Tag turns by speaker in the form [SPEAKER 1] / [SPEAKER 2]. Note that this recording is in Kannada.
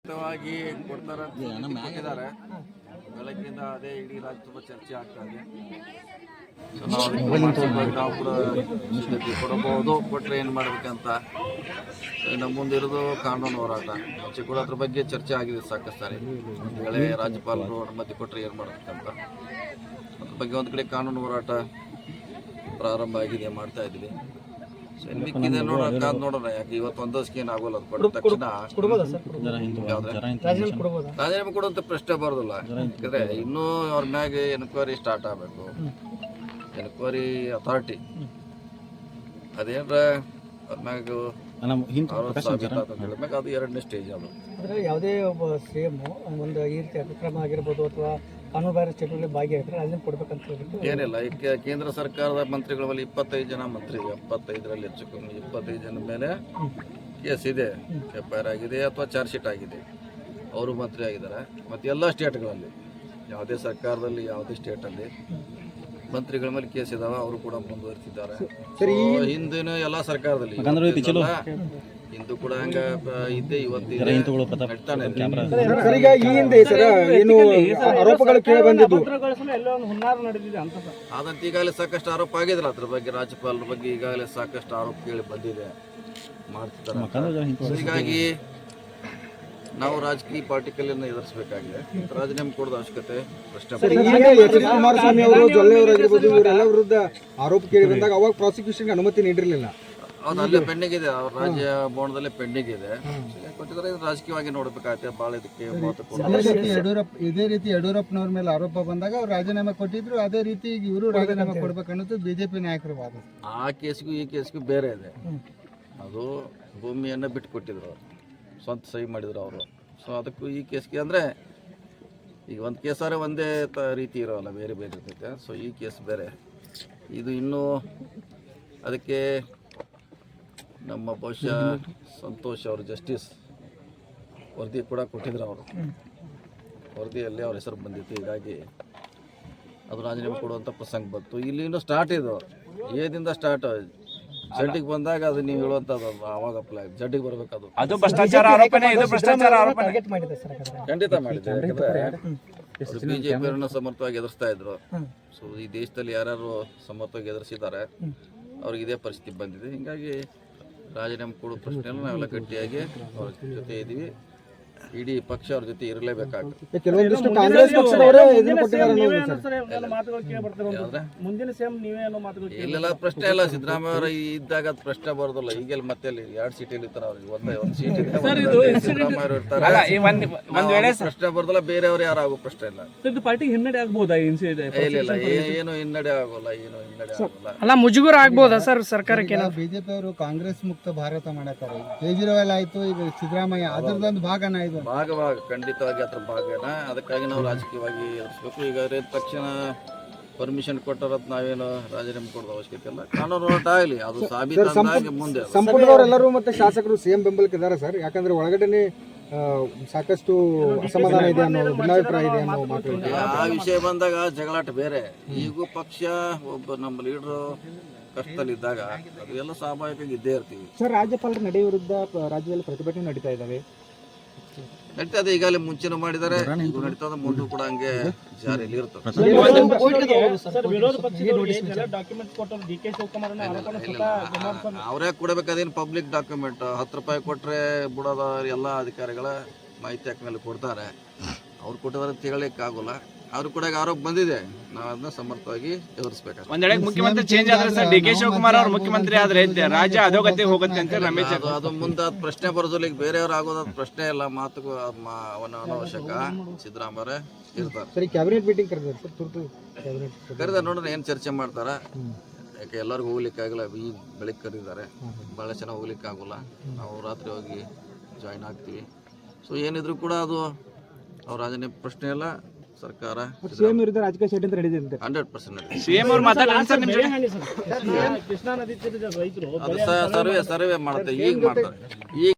[SPEAKER 1] ವಾಗಿ ಕೊಡ್ತಾರೆ ಕೊಟ್ಟಿದ್ದಾರೆ. ಬೆಳಗ್ಗಿಂದ ಅದೇ ಇಡೀ ರಾಜ್ಯ ತುಂಬ ಚರ್ಚೆ ಆಗ್ತಾ ಇದೆ. ನಾವು ಕೂಡ ಕೊಡಬಹುದು, ಕೊಟ್ಟರೆ ಏನು ಮಾಡಬೇಕಂತ. ನಮ್ಮ ಮುಂದಿರೋದು ಕಾನೂನು ಹೋರಾಟ. ಮುಂಚೆ ಕೂಡ ಅದ್ರ ಬಗ್ಗೆ ಚರ್ಚೆ ಆಗಿದೆ ಸಾಕಷ್ಟು ಸಾರಿ. ಒಂದು ವೇಳೆ ರಾಜ್ಯಪಾಲರು ಅನುಮತಿ ಕೊಟ್ಟರೆ ಏನು ಮಾಡಬೇಕಂತ ಅದ್ರ ಬಗ್ಗೆ ಒಂದು ಕಡೆ ಕಾನೂನು ಹೋರಾಟ ಪ್ರಾರಂಭ ಆಗಿದೆ, ಮಾಡ್ತಾ ಇದ್ದೀವಿ. ಮಿಕ್ಕಿದೆ ನೋಡೋಣ. ಯಾಕೆ ಇವತ್ತು ಒಂದಷ್ಟು ಏನು ಆಗೋಲ್ಲ. ಅದು ಕೊಟ್ಟ ತಕ್ಷಣ ರಾಜೀನಾಮೆ ಕೊಡುವಂಥ ಪ್ರಶ್ನೆ ಬರೋದಿಲ್ಲ. ಯಾಕಂದ್ರೆ ಇನ್ನೂ ಅವ್ರ ಮ್ಯಾಗ ಎನ್ಕ್ವೈರಿ ಸ್ಟಾರ್ಟ್ ಆಗಬೇಕು. ಎನ್ಕ್ವೈರಿ ಅಥಾರಿಟಿ ಅದೇನ್ರ ಅವ್ರ ಮ್ಯಾಗ ಅದು ಎರಡನೇ ಸ್ಟೇಜ್. ಅದು
[SPEAKER 2] ಯಾವುದೇ ಒಬ್ಬ ಸಿಎಂ ಒಂದು ಈ ರೀತಿ ಅತಿಕ್ರಮ ಆಗಿರ್ಬೋದು ಅಥವಾ ಕಾನೂನು ಬಾಹಿರ ಚಟುವಟಿಕೆ ಭಾಗಿಯಾಗಿದ್ರೆ ಅದನ್ನ ಕೊಡ್ಬೇಕಂತ ಹೇಳ್ಬಿಟ್ಟು
[SPEAKER 1] ಏನಿಲ್ಲ. ಈಗ ಕೇಂದ್ರ ಸರ್ಕಾರದ ಮಂತ್ರಿಗಳ ಮೇಲೆ 25 ಜನ ಮಂತ್ರಿ, 75ರಲ್ಲಿ ಹೆಚ್ಚು ಕಮ್ಮಿ 25 ಜನ ಮೇಲೆ ಕೇಸ್ ಇದೆ, FIR ಆಗಿದೆ ಅಥವಾ ಚಾರ್ಜ್ ಶೀಟ್ ಆಗಿದೆ. ಅವರು ಮಂತ್ರಿ ಆಗಿದ್ದಾರೆ. ಮತ್ತು ಎಲ್ಲ ಸ್ಟೇಟ್ಗಳಲ್ಲಿ, ಯಾವುದೇ ಸರ್ಕಾರದಲ್ಲಿ ಯಾವುದೇ ಸ್ಟೇಟಲ್ಲಿ ಮಂತ್ರಿಗಳ ಮೇಲೆ ಕೇಸ್ ಇದಾವೆ. ಅವರು ಕೂಡ ಮುಂದುವರಿಸಿದ್ದಾರೆ. ಹಿಂದಿನ ಎಲ್ಲ ಸರ್ಕಾರದಲ್ಲಿ ಹಿಂದೂ ಕೂಡ ಹಂಗ ಇದ್ದೇ ಇವತ್ತಿದೆ. ಆದಂತ ಈಗಾಗಲೇ ಸಾಕಷ್ಟು ಆರೋಪ ಆಗಿದ್ರೆ ಅದ್ರ ಬಗ್ಗೆ, ರಾಜ್ಯಪಾಲರ ಬಗ್ಗೆ ಈಗಾಗಲೇ ಸಾಕಷ್ಟು ಆರೋಪ ಕೇಳಿ ಬಂದಿದೆ, ಮಾಡ್ತಿದ್ದಾರೆ. ಹೀಗಾಗಿ ನಾವು ರಾಜಕೀಯ ಪಾರ್ಟಿಕಲನ್ನು ಎದುರಿಸಬೇಕಾಗಿದೆ. ರಾಜೀನಾಮೆ ಕೊಡೋದು ಅವಶ್ಯಕತೆ ಪ್ರಶ್ನೆ.
[SPEAKER 2] ಕುಮಾರಸ್ವಾಮಿ ಅವರು, ಜೊಲ್ಲೆ ಅವರಾಗಿರ್ಬೋದು, ಇವರೆಲ್ಲ ವಿರುದ್ಧ ಆರೋಪ ಕೇಳಿ ಬಂದಾಗ ಅವಾಗ ಪ್ರಾಸಿಕ್ಯೂಷನ್ಗೆ ಅನುಮತಿ ನೀಡಿರಲಿಲ್ಲ.
[SPEAKER 1] ಅದು ಅಲ್ಲೇ ಪೆಂಡಿಂಗ್ ಇದೆ, ಅವ್ರ ರಾಜ್ಯ ಭವನದಲ್ಲೇ ಪೆಂಡಿಂಗ್ ಇದೆ. ಕೊಟ್ಟಿದ್ದಾರೆ. ರಾಜಕೀಯವಾಗಿ ನೋಡಬೇಕಾಗುತ್ತೆ. ಭಾಳ ಇದಕ್ಕೆ
[SPEAKER 3] ಇದೇ ರೀತಿ ಯಡಿಯೂರಪ್ಪನವ್ರ ಮೇಲೆ ಆರೋಪ ಬಂದಾಗ ಅವ್ರು ರಾಜೀನಾಮೆ ಕೊಟ್ಟಿದ್ರು. ಅದೇ ರೀತಿ ಇವರು ರಾಜೀನಾಮೆ ಕೊಡ್ಬೇಕನ್ನೋದು ಬಿಜೆಪಿ ನಾಯಕರ ವಾದ.
[SPEAKER 1] ಆ ಕೇಸ್ಗೂ ಈ ಕೇಸ್ಗೂ ಬೇರೆ ಇದೆ. ಅದು ಭೂಮಿಯನ್ನು ಬಿಟ್ಟು ಕೊಟ್ಟಿದ್ರು, ಅವರು ಸ್ವಂತ ಸಹಿ ಮಾಡಿದ್ರು ಅವರು. ಸೊ ಅದಕ್ಕೂ ಈ ಕೇಸ್ಗೆ ಅಂದರೆ ಈಗ ಒಂದು ಕೇಸಾರೆ ಒಂದೇ ರೀತಿ ಇರೋಲ್ಲ, ಬೇರೆ ಬೇರೆ ಇರ್ತೈತೆ. ಸೊ ಈ ಕೇಸ್ ಬೇರೆ, ಇದು ಇನ್ನೂ ಅದಕ್ಕೆ ನಮ್ಮ ಬಹುಶಃ ಸಂತೋಷ್ ಅವರು ಜಸ್ಟಿಸ್ ವರದಿ ಕೂಡ ಕೊಟ್ಟಿದ್ರು. ಅವರು ವರದಿಯಲ್ಲಿ ಅವ್ರ ಹೆಸರು ಬಂದಿತ್ತು. ಹೀಗಾಗಿ ಅದು ರಾಜೀನಾಮೆ ಕೊಡುವಂಥ ಪ್ರಸಂಗ ಬಂತು. ಇಲ್ಲಿ ಇನ್ನೂ ಸ್ಟಾರ್ಟ್ ಇದು, ಏದಿಂದ ಸ್ಟಾರ್ಟ್. ಜಡ್ಡಿಗೆ ಬಂದಾಗ ಅದು ನೀವು ಹೇಳುವಂಥದ್ದು ಆವಾಗ ಅಪ್ಲೈ ಜಡ್ಡಿಗೆ ಬರಬೇಕು. ಅದು
[SPEAKER 4] ಭ್ರಷ್ಟಾಚಾರ ಆರೋಪನೆ, ಇದು ಭ್ರಷ್ಟಾಚಾರ ಆರೋಪನೆ
[SPEAKER 1] ಖಂಡಿತ ಮಾಡಿದೆ. ಯಾಕಂದರೆ ಬಿಜೆಪಿಯವರನ್ನ ಸಮರ್ಥವಾಗಿ ಎದುರಿಸ್ತಾ ಇದ್ರು. ಸೊ ಈ ದೇಶದಲ್ಲಿ ಯಾರ್ಯಾರು ಸಮರ್ಥವಾಗಿ ಎದುರಿಸಿದ್ದಾರೆ ಅವ್ರಿಗೆ ಇದೇ ಪರಿಸ್ಥಿತಿ ಬಂದಿದೆ. ಹೀಗಾಗಿ ರಾಜೀನಾಮೆ ಕೊಡೋ ಪ್ರಶ್ನೆಯಲ್ಲ ನಾವೆಲ್ಲ ಗಟ್ಟಿಯಾಗಿ ಅವ್ರ ಜೊತೆ ಇದ್ದೀವಿ. ಇಡೀ ಪಕ್ಷ ಅವ್ರ ಜೊತೆ ಇರಲೇಬೇಕಾಗುತ್ತೆ. ಇಲ್ಲೆಲ್ಲ ಪ್ರಶ್ನೆ ಇಲ್ಲ. ಸಿದ್ದರಾಮಯ್ಯ ಅವರ ಇದ್ದಾಗ ಅದು ಪ್ರಶ್ನೆ ಬರೋದಿಲ್ಲ. ಈಗೆಲ್ಲ ಮತ್ತೆ 2 ಸೀಟಲ್ಲಿ ಇರ್ತಾರೆ. ಅವ್ರಿಗೆ ಒಂದು ಸೀಟ್ ಇದೆ, ಸಿದ್ದರಾಮಯ್ಯ ಅವರು ಇರ್ತಾರೆ. ಪ್ರಶ್ನೆ ಬರೋದಿಲ್ಲ. ಬೇರೆಯವರು ಯಾರು ಆಗೋ ಪ್ರಶ್ನೆ ಇಲ್ಲ.
[SPEAKER 2] ಹಿನ್ನಡೆ ಆಗ್ಬೋದಾ?
[SPEAKER 1] ಇಲ್ಲ, ಏನು ಹಿನ್ನಡೆ ಆಗೋಲ್ಲ, ಏನು ಹಿನ್ನಡೆ ಆಗೋಲ್ಲ.
[SPEAKER 2] ಅಲ್ಲ, ಮುಜುಗರ ಆಗ್ಬೋದಾ ಸರ್ ಸರ್ಕಾರಕ್ಕೆ?
[SPEAKER 3] ಬಿಜೆಪಿ ಅವರು ಕಾಂಗ್ರೆಸ್ ಮುಕ್ತ ಭಾರತ ಮಾಡತಾರೆ. ಕೇಜ್ರಿವಾಲ್ ಆಯ್ತು, ಈಗ ಸಿದ್ದರಾಮಯ್ಯ ಅದರದೊಂದು ಭಾಗನ ಇದು.
[SPEAKER 1] ಭಾಗವಾಗ ಖಂಡಿತವಾಗಿ ಅದ್ರ ಭಾಗನ. ಅದಕ್ಕಾಗಿ ನಾವು ರಾಜಕೀಯವಾಗಿ ಎದುರಿಸ್ಬೇಕು. ಈಗ ತಕ್ಷಣ ಪರ್ಮಿಷನ್ ಕೊಟ್ಟರತ್ ನಾವೇನು ರಾಜೀನಾಮೆ ಕೊಡೋದು ಅವಶ್ಯಕತೆ ಇಲ್ಲ. ಕಾನೂನು ಹೋರಾಟ ಆಗಲಿ, ಅದು ಸಾಬೀತಾಗಿ ಮುಂದೆ.
[SPEAKER 3] ಸಂಪುಟದವರೆಲ್ಲರೂ ಮತ್ತೆ ಶಾಸಕರು ಸಿಎಂ ಬೆಂಬಲಕ್ಕೆ ಇದ್ದಾರೆ ಸರ್. ಯಾಕಂದ್ರೆ ಒಳಗಡೆ ಸಾಕಷ್ಟು ಅಸಮಾಧಾನ ಇದೆ ಅನ್ನೋ ಭಿನ್ನಾಭಿಪ್ರಾಯ ಇದೆ ಅನ್ನೋ ಮಾತು.
[SPEAKER 1] ಆ ವಿಷಯ ಬಂದಾಗ ಜಗಳಾಟ ಬೇರೆ. ಈಗೂ ಪಕ್ಷ ಒಬ್ಬ ನಮ್ಮ ಲೀಡರು ಕಷ್ಟದಲ್ಲಿದ್ದಾಗ ಅದು ಎಲ್ಲ ಸ್ವಾಭಾವಿಕವಾಗಿ ಇದ್ದೇ ಇರ್ತೀವಿ.
[SPEAKER 2] ಸರ್, ರಾಜ್ಯಪಾಲರ ನಡೆ ವಿರುದ್ಧ ರಾಜ್ಯದಲ್ಲಿ ಪ್ರತಿಭಟನೆ ನಡೀತಾ ಇದ್ದಾವೆ.
[SPEAKER 1] ನಡೀತದೆ. ಈಗಾಗಲೇ ಮುಂಚೆನೂ ಮಾಡಿದ್ದಾರೆ, ಈಗ ನಡೀತದೆ, ಮುಂದೂ ಕೂಡ ಹಂಗೆ ಜಾರಿಯಲ್ಲಿ ಇರ್ತದೆ. ಅವರೇ ಕೊಡಬೇಕಾದೇನು ಪಬ್ಲಿಕ್ ಡಾಕ್ಯುಮೆಂಟ್. 10 ರೂಪಾಯಿ ಕೊಟ್ಟರೆ ಬಿಡೋದ ಎಲ್ಲ ಅಧಿಕಾರಿಗಳ ಮಾಹಿತಿ ಹಾಕಿನಲ್ಲಿ ಕೊಡ್ತಾರೆ. ಅವ್ರು ಕೊಟ್ಟಿದ್ದಾರೆ ಅಂತ ಹೇಳಲಿಕ್ಕೆ ಆಗೋಲ್ಲ. ಅವ್ರು ಕೂಡ ಆರೋಪ ಬಂದಿದೆ. ನಾವು ಅದನ್ನ ಸಮರ್ಥವಾಗಿ ಎದುರಿಸಬೇಕು.
[SPEAKER 4] ಒಂದೆಡೆ ಮುಖ್ಯಮಂತ್ರಿ ಚೇಂಜ್ ಆದ್ರೆ ಸರ್, DK ಶಿವಕುಮಾರ್ ಅವರು ಮುಖ್ಯಮಂತ್ರಿ ಆದ್ರೆ ರಾಜ್ಯ ಅಧೋಗತಿ ಹೋಗುತ್ತೆ ಅಂತ ರಮೇಶ್.
[SPEAKER 1] ಅದು ಮುಂದೆ ಪ್ರಶ್ನೆ ಬರೋದಿಲ್ಲ. ಈಗ ಬೇರೆಯವ್ರು ಆಗೋದ್ ಪ್ರಶ್ನೆ ಇಲ್ಲ. ಮಾತುಗೂ ಅನಾವಶ್ಯಕ. ಸಿದ್ದರಾಮಯ್ಯ ಇರ್ತಾರೆ.
[SPEAKER 3] ಸರಿ, ಕ್ಯಾಬಿನೆಟ್ ಮೀಟಿಂಗ್
[SPEAKER 1] ಕರೆದ ನೋಡೋಣ ಏನು ಚರ್ಚೆ ಮಾಡ್ತಾರ. ಯಾಕೆ ಎಲ್ಲರಿಗೂ ಹೋಗ್ಲಿಕ್ಕೆ ಆಗಲ್ಲ. ಈ ಬೆಳಿಗ್ಗೆ ಕರೀತಾರೆ, ಭಾಳ ಚೆನ್ನಾಗಿ ಹೋಗ್ಲಿಕ್ಕೆ ಆಗೋಲ್ಲ. ನಾವು ರಾತ್ರಿ ಹೋಗಿ ಜಾಯಿನ್ ಆಗ್ತೀವಿ. ಸೊ ಏನಿದ್ರು ಕೂಡ ಅದು ಅವ್ರ ರಾಜೀನಾಮೆ ಪ್ರಶ್ನೆ ಇಲ್ಲ. ಸರ್ಕಾರ
[SPEAKER 2] ಸಿಎಂ ವಿರುದ್ಧ ರಾಜಕೀಯ ಷಡ್ಯಂತ್ರ ನಡೆದಿದೆ
[SPEAKER 1] 100%.
[SPEAKER 4] ಸಿಎಂ ಅವರು ಮಾತಾಡ್ತಾರೆ ಸರ್.
[SPEAKER 2] ಕೃಷ್ಣಾ ನದಿ ತೀರದ ರೈತರು
[SPEAKER 1] ಅದು ಸರ್ವೆ ಮಾಡುತ್ತೆ. ಈಗ ಮಾಡ್ತಾರೆ. ಈಗ